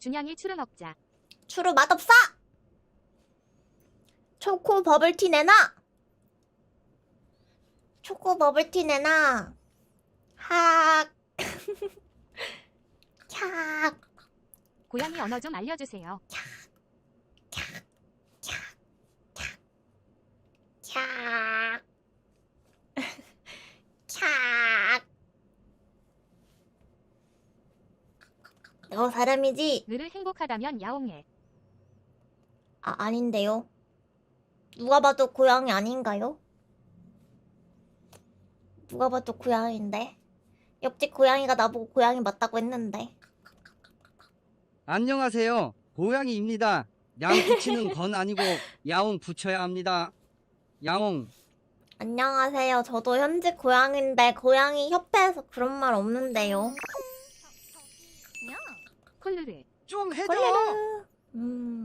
준양이 추루 먹자. 추루 맛없어! 초코 버블티 내놔! 초코 버블티 내놔! 학! 캬! 고양이 언어 좀 알려주세요. 캬! 캬! 너 사람이지? 늘 행복하다면 야옹해. 아, 아닌데요. 누가 봐도 고양이 아닌가요? 누가 봐도 고양이인데. 옆집 고양이가 나보고 고양이 맞다고 했는데. 안녕하세요. 고양이입니다. 양 붙이는 건 아니고 야옹 붙여야 합니다. 야옹. 안녕하세요. 저도 현직 고양인데 고양이 협회에서 그런 말 없는데요. 콜루르. 좀 해줘. 콜레르.